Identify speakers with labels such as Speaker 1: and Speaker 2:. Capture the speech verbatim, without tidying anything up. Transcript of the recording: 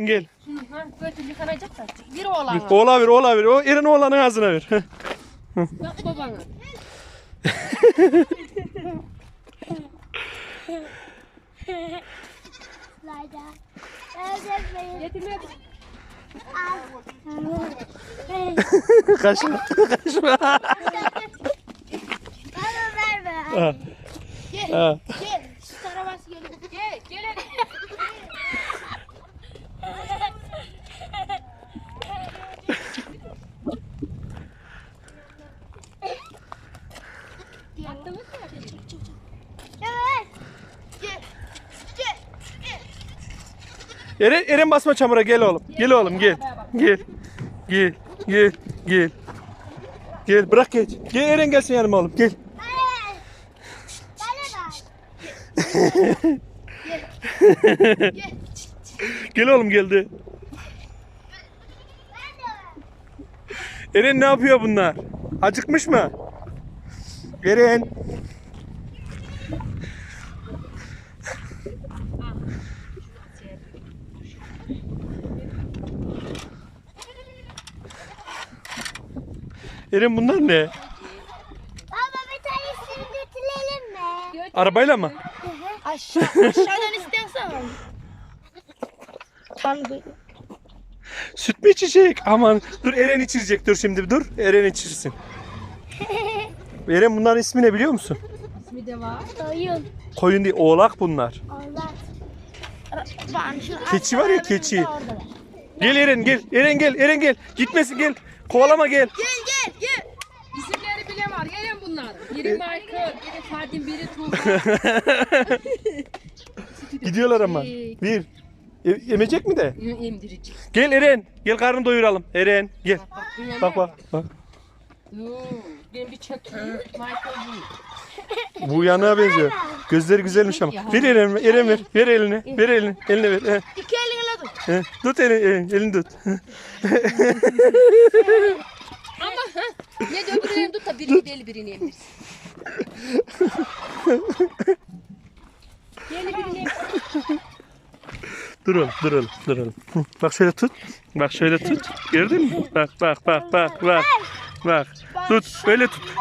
Speaker 1: gel.
Speaker 2: Ha, götür yıkanacak da. Bir oğlan.
Speaker 1: Oğla ver, oğla ver. O Eren oğlanın ağzına ver.
Speaker 2: Yok babana. Getirme.
Speaker 1: Kaçma, kaçma.
Speaker 3: Bana verme.
Speaker 1: Ha,
Speaker 3: Gel.
Speaker 1: ha.
Speaker 3: Gel. Şu tarafa gel.
Speaker 2: Gel, gel. Attınız mı?
Speaker 3: Evet. Gel. Gel.
Speaker 1: Eren, Eren basma çamura, gel oğlum. Gel oğlum, gel. Gel. Gel, gel, gel. Gel, bırak geç. Gel Eren gelsin yanıma oğlum, gel.
Speaker 3: Hayır. Bana bak. Gel.
Speaker 1: Gel oğlum, geldi. Eren ne yapıyor bunlar? Acıkmış mı? Eren. Eren bunlar ne?
Speaker 3: Baba bir tanesini götürelim mi?
Speaker 1: Arabayla mı?
Speaker 3: Aşağı. Aşağıdan istersen.
Speaker 1: Süt mü içecek? Aman dur, Eren içirecek, dur şimdi dur. Eren içirsin. Eren bunların ismi ne biliyor musun?
Speaker 2: İsmi de var.
Speaker 3: Oyun.
Speaker 1: Koyun değil, oğlak bunlar.
Speaker 3: Allah. Bak, şu
Speaker 1: Keçi var ya, keçi. Gel Eren, gel. Eren gel, Eren gel. Gitmesin, gel. Kovalama, gel.
Speaker 3: Gel gel gel.
Speaker 2: İsimleri bile var. Gelin bunlar. Biri Michael, biri Fadim, biri Tuğba.
Speaker 1: Gidiyorlar ama. Bir. E- emecek mi de?
Speaker 2: Emdirecek.
Speaker 1: Gel Eren. Gel, karnını doyuralım. Eren gel. Bak bak. Bak.
Speaker 2: Yoo, ben bir çökeyim. Michael bu.
Speaker 1: Bu yanığa benziyor. Gözleri güzelmiş ama. Ver Eren, Eren ver. Ver elini. Ver elini. Eline ver. He.
Speaker 3: İki elinle tut.
Speaker 1: He. Tut elini, elini, elini tut.
Speaker 2: Ama ha. Ne de öbürlerini tut da birini deli birini emdirsin. Deli birini emdirsin.
Speaker 1: Dur oğlum, dur oğlum, dur oğlum. Hı, bak şöyle tut. Bak şöyle tut. Gördün mü? Bak bak bak bak bak. Bak. Tut. Öyle tut.